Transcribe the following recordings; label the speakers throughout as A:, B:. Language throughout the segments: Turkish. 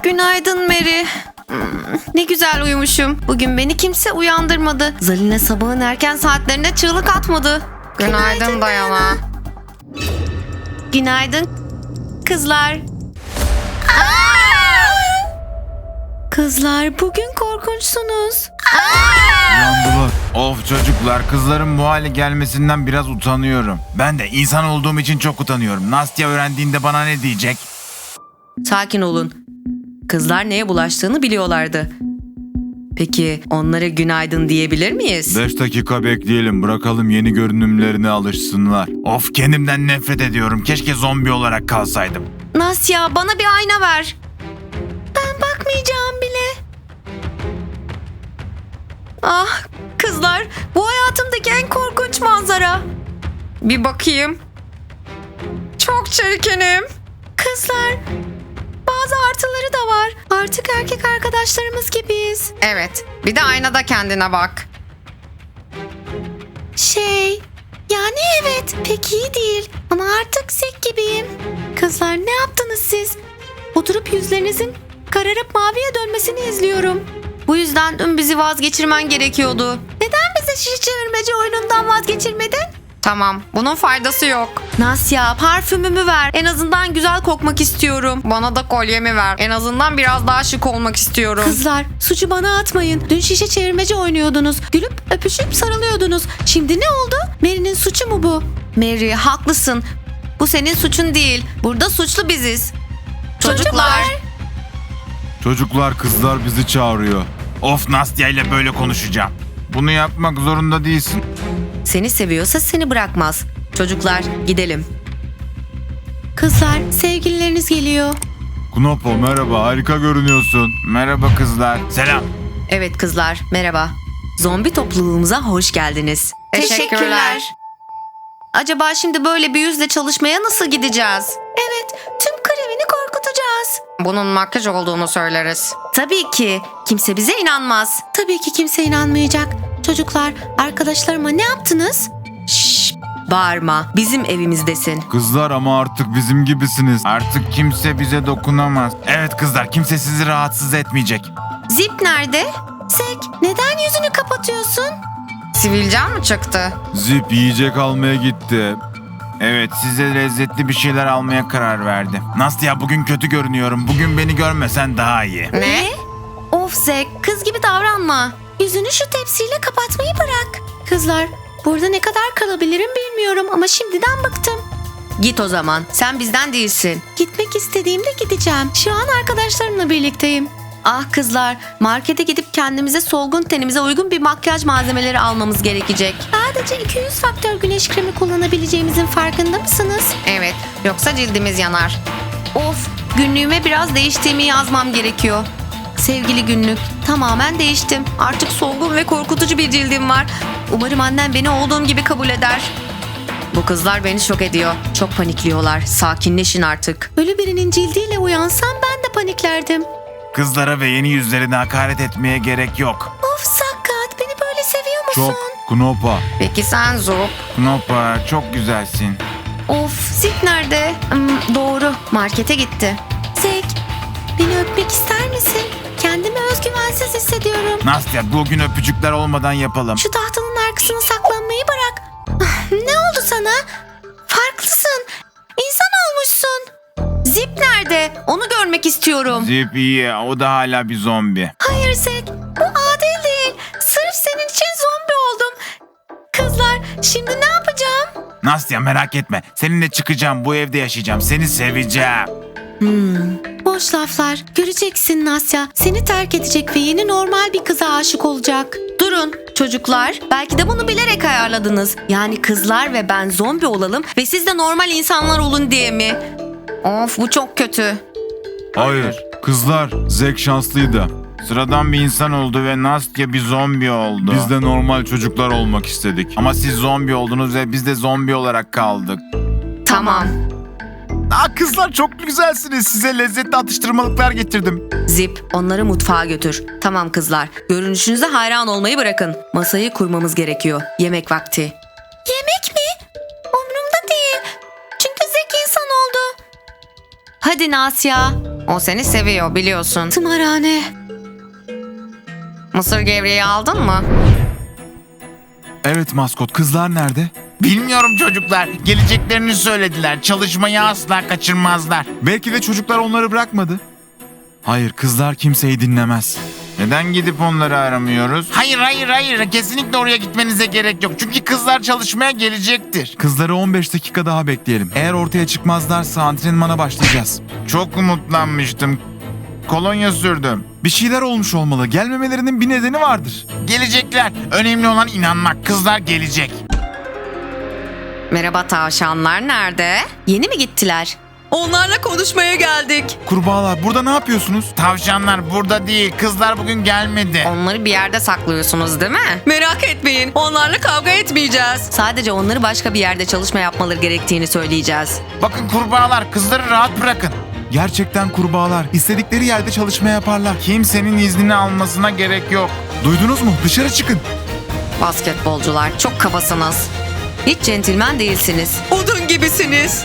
A: Günaydın Mary. Ne güzel uyumuşum. Bugün beni kimse uyandırmadı. Zalina sabahın erken saatlerinde çığlık atmadı. Günaydın Dayana. Günaydın kızlar. Kızlar bugün korkunçsunuz.
B: Uyandılar. Of çocuklar, kızların bu hale gelmesinden biraz utanıyorum. Ben de insan olduğum için çok utanıyorum. Nastya öğrendiğinde bana ne diyecek?
A: Sakin olun. Kızlar neye bulaştığını biliyorlardı. Peki onlara günaydın diyebilir miyiz?
B: 5 dakika bekleyelim, bırakalım yeni görünümlerine alışsınlar. Of, kendimden nefret ediyorum. Keşke zombi olarak kalsaydım.
A: Nasya, bana bir ayna ver. Ben bakmayacağım bile. Ah kızlar, bu hayatımdaki en korkunç manzara. Bir bakayım. Çok çirkinim. Kızlar, bazı artıları da var. Artık erkek arkadaşlarımız gibiyiz. Evet, bir de aynada kendine bak. Yani evet, pek iyi değil. Ama artık sek gibiyim. Kızlar, ne yaptınız siz? Oturup yüzlerinizin kararıp maviye dönmesini izliyorum. Bu yüzden dün bizi vazgeçirmen gerekiyordu. Neden bizi şişe çevirmece oyunundan vazgeçirmedin? Tamam, bunun faydası yok. Nasya, parfümümü ver. En azından güzel kokmak istiyorum. Bana da kolyemi ver. En azından biraz daha şık olmak istiyorum. Kızlar, suçu bana atmayın. Dün şişe çevirmece oynuyordunuz. Gülüp öpüşüp sarılıyordunuz. Şimdi ne oldu? Mary'nin suçu mu bu? Mary, haklısın. Bu senin suçun değil. Burada suçlu biziz. Çocuklar.
B: Çocuklar, kızlar bizi çağırıyor. Of, Nastya ile böyle konuşacağım. Bunu yapmak zorunda değilsin.
A: Seni seviyorsa seni bırakmaz. Çocuklar, gidelim. Kızlar, sevgilileriniz geliyor.
B: Knopo, merhaba, harika görünüyorsun. Merhaba kızlar. Selam.
A: Evet kızlar, merhaba. Zombi topluluğumuza hoş geldiniz. Teşekkürler. Acaba şimdi böyle bir yüzle çalışmaya nasıl gideceğiz? Evet, tüm krevini korkutacağız. Bunun makyaj olduğunu söyleriz. Tabii ki. Kimse bize inanmaz. Tabii ki kimse inanmayacak. Çocuklar, arkadaşlarıma ne yaptınız? Şşş, bağırma. Bizim evimizdesin.
B: Kızlar, ama artık bizim gibisiniz. Artık kimse bize dokunamaz. Evet kızlar, kimse sizi rahatsız etmeyecek.
A: Zip nerede? Sek, neden yüzünü kapatıyorsun? Sivilcan mı çıktı?
B: Zip yiyecek almaya gitti. Evet, size lezzetli bir şeyler almaya karar verdi. Nastya, bugün kötü görünüyorum. Bugün beni görmesen daha iyi.
A: Ne? Of Zek, kız gibi davranma. Yüzünü şu tepsiyle kapatmayı bırak. Kızlar, burada ne kadar kalabilirim bilmiyorum ama şimdiden bıktım. Git o zaman, sen bizden değilsin. Gitmek istediğimde gideceğim. Şu an arkadaşlarımla birlikteyim. Ah kızlar, markete gidip kendimize solgun tenimize uygun bir makyaj malzemeleri almamız gerekecek. Sadece 200 faktör güneş kremi kullanabileceğimizin farkında mısınız? Evet, yoksa cildimiz yanar. Of, günlüğüme biraz değiştiğimi yazmam gerekiyor. Sevgili günlük, tamamen değiştim. Artık solgun ve korkutucu bir cildim var. Umarım annem beni olduğum gibi kabul eder. Bu kızlar beni şok ediyor. Çok panikliyorlar. Sakinleşin artık. Ölü birinin cildiyle uyansam ben de paniklerdim.
B: Kızlara ve yeni yüzlerine hakaret etmeye gerek yok.
A: Of Sakkat, beni böyle seviyor musun?
B: Çok. Knopa.
A: Peki sen Zup?
B: Knopa, çok güzelsin.
A: Of, Zip nerede? Doğru, markete gitti. Zek, beni öpmek ister misin? Kendimi özgüvensiz hissediyorum.
B: Nastya, bugün öpücükler olmadan yapalım.
A: Şu tahtanın arkasına saklanmayı bırak. Ne oldu sana? Farklısın. İnsan olmuşsun. Zip nerede? Onu görmek istiyorum.
B: Zip iyi, o da hala bir zombi.
A: Hayır Zek, bu adil değil. Sırf senin için zombi oldum. Kızlar, şimdi ne yapacağım?
B: Nastya, merak etme. Seninle çıkacağım, bu evde yaşayacağım. Seni seveceğim.
A: Boş laflar. Göreceksin Nasya. Seni terk edecek ve yeni normal bir kıza aşık olacak. Durun çocuklar. Belki de bunu bilerek ayarladınız. Yani kızlar ve ben zombi olalım ve siz de normal insanlar olun diye mi? Of, bu çok kötü.
B: Hayır. Kızlar, Zek şanslıydı. Sıradan bir insan oldu ve Nastya bir zombi oldu. Biz de normal çocuklar olmak istedik. Ama siz zombi oldunuz ve biz de zombi olarak kaldık.
A: Tamam.
B: Kızlar, çok güzelsiniz. Size lezzetli atıştırmalıklar getirdim.
A: Zip, onları mutfağa götür. Tamam kızlar. Görünüşünüze hayran olmayı bırakın. Masayı kurmamız gerekiyor. Yemek vakti. Yemek mi? Umrumda değil. Çünkü Zek insan oldu. Hadi Nasya. O seni seviyor biliyorsun. Tımarhane. Mısır gevreği aldın mı?
B: Evet maskot, kızlar nerede?
C: Bilmiyorum çocuklar. Geleceklerini söylediler. Çalışmayı asla kaçırmazlar.
B: Belki de çocuklar onları bırakmadı. Hayır, kızlar kimseyi dinlemez. Neden gidip onları aramıyoruz?
C: Hayır. Kesinlikle oraya gitmenize gerek yok. Çünkü kızlar çalışmaya gelecektir.
B: Kızları 15 dakika daha bekleyelim. Eğer ortaya çıkmazlarsa antrenmana başlayacağız.
C: Çok umutlanmıştım. Kolonya sürdüm.
B: Bir şeyler olmuş olmalı. Gelmemelerinin bir nedeni vardır.
C: Gelecekler. Önemli olan inanmak. Kızlar gelecek.
A: Merhaba tavşanlar nerede? Yeni mi gittiler? Onlarla konuşmaya geldik.
B: Kurbağalar, burada ne yapıyorsunuz?
C: Tavşanlar burada değil. Kızlar bugün gelmedi.
A: Onları bir yerde saklıyorsunuz değil mi? Merak etmeyin. Onlarla kavga etmeyeceğiz. Sadece onları başka bir yerde çalışma yapmaları gerektiğini söyleyeceğiz.
C: Bakın kurbağalar, kızları rahat bırakın.
B: Gerçekten kurbağalar. İstedikleri yerde çalışma yaparlar.
C: Kimsenin iznini almasına gerek yok.
B: Duydunuz mu? Dışarı çıkın.
A: Basketbolcular çok kabasınız. Hiç centilmen değilsiniz. Odun gibisiniz.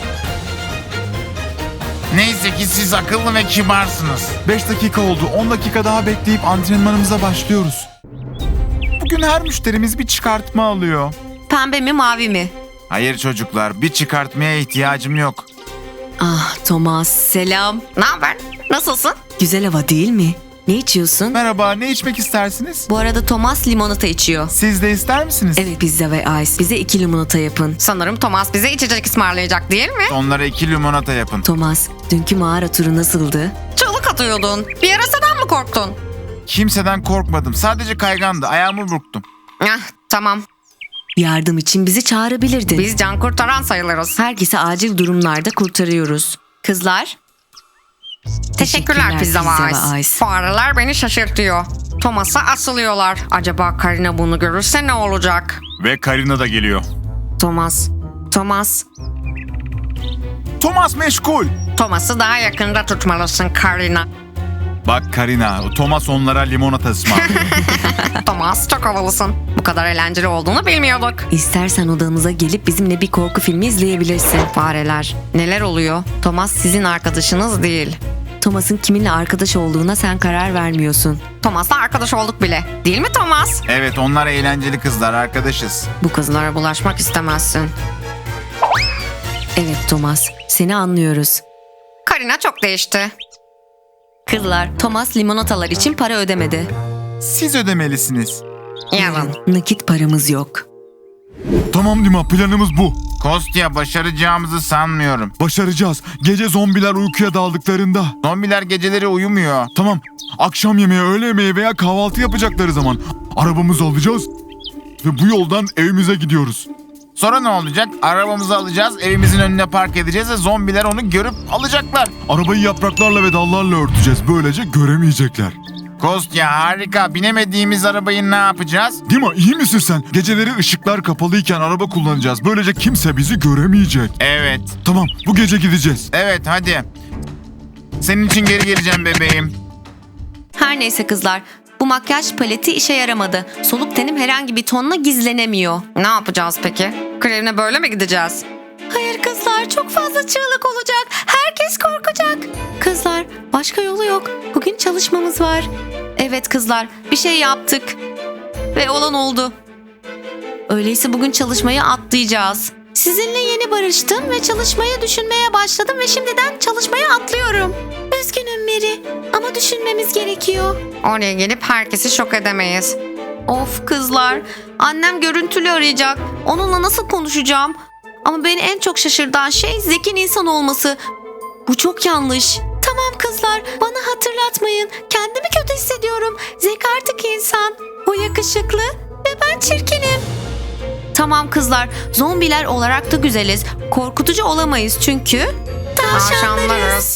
C: Neyse ki siz akıllı ve kibarsınız.
B: 5 dakika oldu. 10 dakika daha bekleyip antrenmanımıza başlıyoruz. Bugün her müşterimiz bir çıkartma alıyor.
A: Pembe mi mavi mi?
B: Hayır çocuklar, bir çıkartmaya ihtiyacım yok.
A: Ah Thomas selam. Ne haber? Nasılsın? Güzel hava değil mi? Ne içiyorsun?
B: Merhaba, ne içmek istersiniz?
A: Bu arada Thomas limonata içiyor.
B: Siz de ister misiniz?
A: Evet pizza ve ice. Bize 2 limonata yapın. Sanırım Thomas bize içecek ısmarlayacak değil mi?
B: Onlara 2 limonata yapın.
A: Thomas, dünkü mağara turu nasıldı? Çığlık atıyordun. Bir ara senden mi korktun?
B: Kimseden korkmadım. Sadece kaygandı. Ayağımı burktum.
A: Ah, tamam. Yardım için bizi çağırabilirdin. Biz can kurtaran sayılırız. Herkesi acil durumlarda kurtarıyoruz. Kızlar? Teşekkürler Pizza ve Ice. Fareler beni şaşırtıyor. Thomas'a asılıyorlar. Acaba Karina bunu görürse ne olacak?
B: Ve Karina da geliyor.
A: Thomas.
B: Thomas meşgul.
A: Thomas'ı daha yakında tutmalısın Karina.
B: Bak Karina, Thomas onlara limonata ısmarlıyor.
A: Thomas çok havalısın. Bu kadar eğlenceli olduğunu bilmiyorduk. İstersen odamıza gelip bizimle bir korku filmi izleyebilirsin. Fareler. Neler oluyor? Thomas sizin arkadaşınız değil. Thomas'ın kiminle arkadaş olduğuna sen karar vermiyorsun. Thomas'la arkadaş olduk bile. Değil mi Thomas?
B: Evet, onlar eğlenceli kızlar, arkadaşız.
A: Bu kızlara bulaşmak istemezsin. Evet Thomas, seni anlıyoruz. Karina çok değişti. Kızlar, Thomas limonatalar için para ödemedi.
B: Siz ödemelisiniz.
A: Yarın. Nakit paramız yok.
B: Tamam Dima, planımız bu.
C: Kostya, başaracağımızı sanmıyorum.
B: Başaracağız. Gece zombiler uykuya daldıklarında.
C: Zombiler geceleri uyumuyor.
B: Tamam, akşam yemeği, öğle yemeği veya kahvaltı yapacakları zaman arabamızı alacağız ve bu yoldan evimize gidiyoruz.
C: Sonra ne olacak? Arabamızı alacağız, evimizin önüne park edeceğiz ve zombiler onu görüp alacaklar.
B: Arabayı yapraklarla ve dallarla örteceğiz. Böylece göremeyecekler.
C: Kostya harika. Binemediğimiz arabayı ne yapacağız?
B: Dima, iyi misin sen? Geceleri ışıklar kapalıyken araba kullanacağız. Böylece kimse bizi göremeyecek.
C: Evet.
B: Tamam, bu gece gideceğiz.
C: Evet hadi. Senin için geri geleceğim bebeğim.
A: Her neyse kızlar, bu makyaj paleti işe yaramadı. Soluk tenim herhangi bir tonla gizlenemiyor. Ne yapacağız peki? Krevine böyle mi gideceğiz? Hayır kızlar, çok fazla çığlık olacak. Herkes korkacak. Kızlar, başka yolu yok. Bugün çalışmamız var. Evet kızlar, bir şey yaptık. Ve olan oldu. Öyleyse bugün çalışmayı atlayacağız. Sizinle yeni barıştım ve çalışmayı düşünmeye başladım ve şimdiden çalışmaya atlıyorum. Üzgünüm Mary ama düşünmemiz gerekiyor. Oraya gelip herkesi şok edemeyiz. Of kızlar, annem görüntülü arayacak. Onunla nasıl konuşacağım? Ama beni en çok şaşırtan şey Zek'in insan olması. Bu çok yanlış. Tamam kızlar, bana hatırlatmayın. Kendimi kötü hissediyorum. Zek artık insan. O yakışıklı ve ben çirkinim. Tamam kızlar, zombiler olarak da güzeliz. Korkutucu olamayız çünkü tavşanlarız.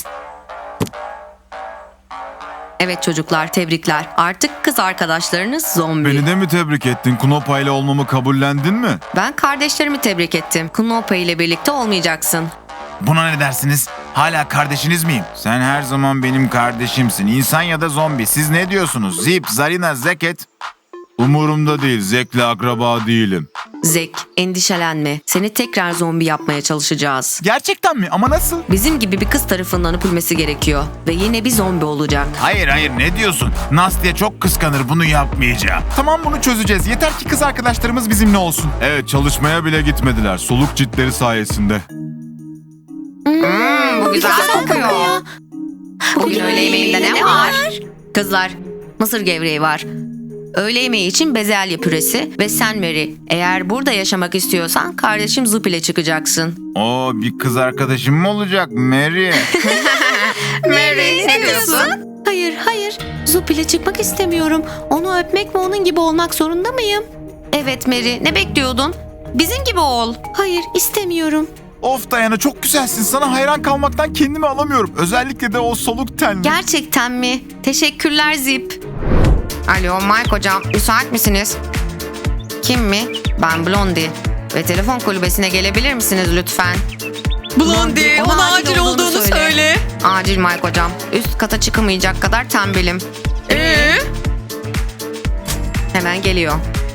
A: Evet çocuklar, tebrikler. Artık kız arkadaşlarınız zombi.
B: Beni de mi tebrik ettin? Knopa ile olmamı kabullendin mi?
A: Ben kardeşlerimi tebrik ettim. Knopa ile birlikte olmayacaksın.
C: Buna ne dersiniz? Hala kardeşiniz miyim?
B: Sen her zaman benim kardeşimsin. İnsan ya da zombi. Siz ne diyorsunuz? Zip, Zarina, Zeket. Umurumda değil. Zek'le akraba değilim.
A: Zek, endişelenme. Seni tekrar zombi yapmaya çalışacağız.
C: Gerçekten mi? Ama nasıl?
A: Bizim gibi bir kız tarafından öpülmesi gerekiyor. Ve yine bir zombi olacak.
C: Hayır ne diyorsun? Nastya çok kıskanır, bunu yapmayacağım. Tamam, bunu çözeceğiz. Yeter ki kız arkadaşlarımız bizimle olsun.
B: Evet, çalışmaya bile gitmediler. Soluk ciltleri sayesinde.
A: Bu güzel kokuyor. Bugün öğle yemeğinde ne var? Kızlar, mısır gevreği var. Öğle yemeği için bezelye püresi ve sen Mary. Eğer burada yaşamak istiyorsan kardeşim Zup ile çıkacaksın.
B: Oo, bir kız arkadaşım mı olacak Mary?
A: Mary, ne diyorsun? Hayır. Zup ile çıkmak istemiyorum. Onu öpmek ve onun gibi olmak zorunda mıyım? Evet Mary, ne bekliyordun? Bizim gibi ol. Hayır, istemiyorum.
C: Of Dayana, çok güzelsin. Sana hayran kalmaktan kendimi alamıyorum. Özellikle de o soluk tenli.
A: Gerçekten mi? Teşekkürler Zip. Alo Mike hocam, müsait misiniz? Kim mi? Ben Blondie. Ve telefon kulübesine gelebilir misiniz lütfen?
D: Blondie, ona acil olduğunu söyle.
A: Acil Mike hocam. Üst kata çıkamayacak kadar tembelim. Hemen geliyor.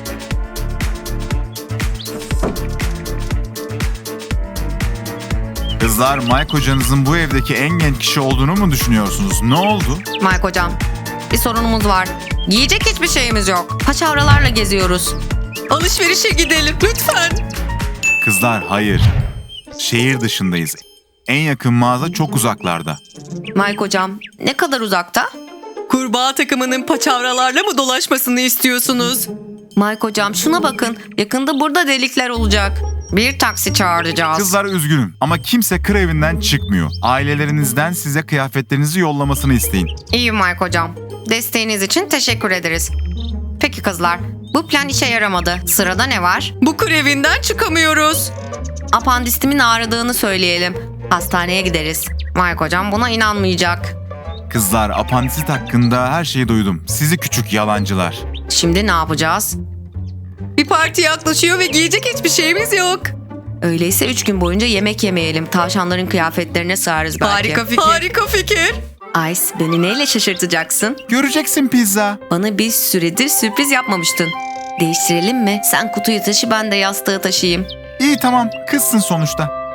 B: Kızlar, Mike hocanızın bu evdeki en genç kişi olduğunu mu düşünüyorsunuz? Ne oldu?
A: Mike hocam, bir sorunumuz var. Yiyecek hiçbir şeyimiz yok. Paçavralarla geziyoruz.
D: Alışverişe gidelim lütfen.
B: Kızlar, hayır. Şehir dışındayız. En yakın mağaza çok uzaklarda.
A: Mike hocam, ne kadar uzakta?
D: Kurbağa takımının paçavralarla mı dolaşmasını istiyorsunuz?
A: Mike hocam şuna bakın. Yakında burada delikler olacak. Bir taksi çağıracağız.
B: Kızlar, üzgünüm ama kimse kır evinden çıkmıyor. Ailelerinizden size kıyafetlerinizi yollamasını isteyin.
A: İyi Mike hocam. Desteğiniz için teşekkür ederiz. Peki kızlar, bu plan işe yaramadı. Sırada ne var?
D: Bu krevinden çıkamıyoruz.
A: Apandistimin ağrıdığını söyleyelim. Hastaneye gideriz. Mike hocam buna inanmayacak.
B: Kızlar, apandisit hakkında her şeyi duydum. Sizi küçük yalancılar.
A: Şimdi ne yapacağız?
D: Bir parti yaklaşıyor ve giyecek hiçbir şeyimiz yok.
A: Öyleyse 3 gün boyunca yemek yemeyelim. Tavşanların kıyafetlerine sığarız belki.
D: Harika fikir. Harika fikir.
A: Ice, beni neyle şaşırtacaksın?
C: Göreceksin pizza.
A: Bana bir süredir sürpriz yapmamıştın. Değiştirelim mi? Sen kutuyu taşı, ben de yastığı taşıyayım.
C: İyi tamam, kızsın sonuçta.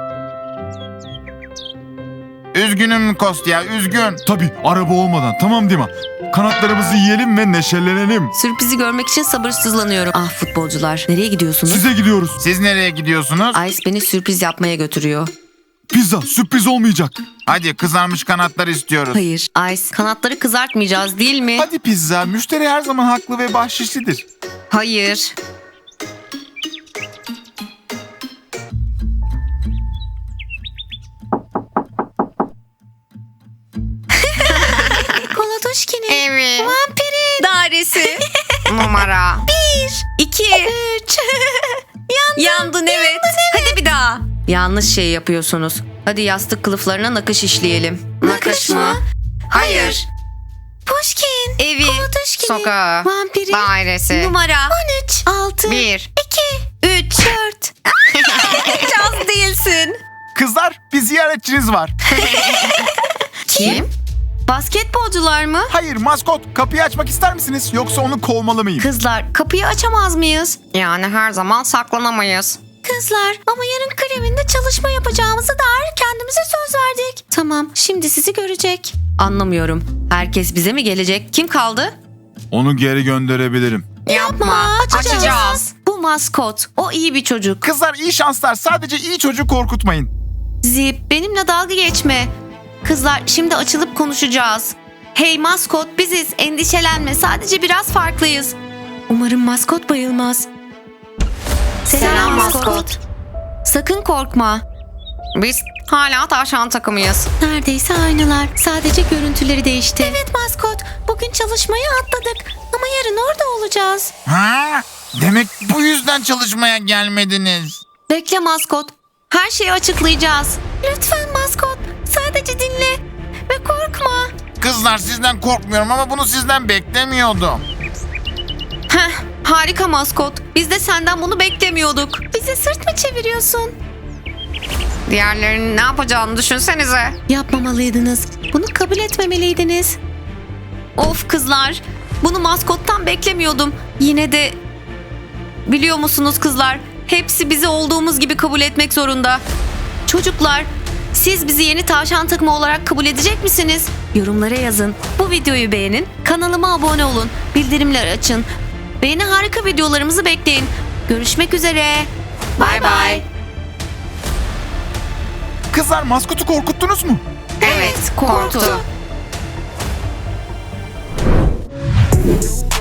C: Üzgünüm Kostya, üzgün.
B: Tabii, araba olmadan, tamam Dima. Kanatlarımızı yiyelim ve neşelenelim.
A: Sürprizi görmek için sabırsızlanıyorum. Ah futbolcular, nereye gidiyorsunuz?
B: Size gidiyoruz.
C: Siz nereye gidiyorsunuz?
A: Ice beni sürpriz yapmaya götürüyor.
B: Pizza sürpriz olmayacak.
C: Hadi, kızarmış kanatlar istiyoruz.
A: Hayır, Ice, kanatları kızartmayacağız değil mi?
C: Hadi pizza, müşteri her zaman haklı ve bahşişlidir.
A: Hayır. Kolatoşki'nin
D: Evet.
A: vampirin
D: Dairesi.
A: numara
D: 2.
A: 3.
D: Yandın evet. Hadi bir daha.
A: Yanlış şey yapıyorsunuz. Hadi yastık kılıflarına nakış işleyelim.
D: Nakış mı?
A: Hayır.
D: Pushkin. Evi.
A: Kolatoşki'nin
D: Sokağı.
A: vampirin
D: Dairesi.
A: numara 13. 6.
D: 1.
A: 2. 3. 4.
D: Hiç az değilsin.
C: Kızlar, bir ziyaretçiniz var.
A: Kim? Basketbolcular mı?
C: Hayır, maskot. Kapıyı açmak ister misiniz? Yoksa onu kovmalı mıyım?
A: Kızlar, kapıyı açamaz mıyız? Yani her zaman saklanamayız. Kızlar, ama yarın krevinde çalışma yapacağımızı dair kendimize söz verdik. Tamam, şimdi sizi görecek. Anlamıyorum. Herkes bize mi gelecek? Kim kaldı?
B: Onu geri gönderebilirim.
A: Yapma, açacağız. Bu maskot, o iyi bir çocuk.
C: Kızlar, iyi şanslar. Sadece iyi çocuğu korkutmayın.
A: Zip, benimle dalga geçme. Kızlar, şimdi açılıp konuşacağız. Hey maskot, biziz. Endişelenme, sadece biraz farklıyız. Umarım maskot bayılmaz. Selam maskot. Sakın korkma. Biz hala tavşan takımıyız. Neredeyse aynılar. Sadece görüntüleri değişti. Evet maskot. Bugün çalışmayı atladık. Ama yarın orada olacağız.
C: Ha? Demek bu yüzden çalışmaya gelmediniz.
A: Bekle maskot. Her şeyi açıklayacağız. Lütfen maskot. Sadece dinle. Ve korkma.
C: Kızlar, sizden korkmuyorum ama bunu sizden beklemiyordum.
A: Heh, harika maskot. Biz de senden bunu beklemiyorduk. Bize sırt mı çeviriyorsun? Diğerlerinin ne yapacağını düşünsenize. Yapmamalıydınız. Bunu kabul etmemeliydiniz. Of kızlar. Bunu maskottan beklemiyordum. Yine de Biliyor musunuz kızlar? Hepsi bizi olduğumuz gibi kabul etmek zorunda. Çocuklar, siz bizi yeni tavşan takımı olarak kabul edecek misiniz? Yorumlara yazın. Bu videoyu beğenin. Kanalıma abone olun. Bildirimleri açın. Ve yeni harika videolarımızı bekleyin. Görüşmek üzere. Bay bay.
C: Kızlar maskotu korkuttunuz mu?
A: Evet, korktu.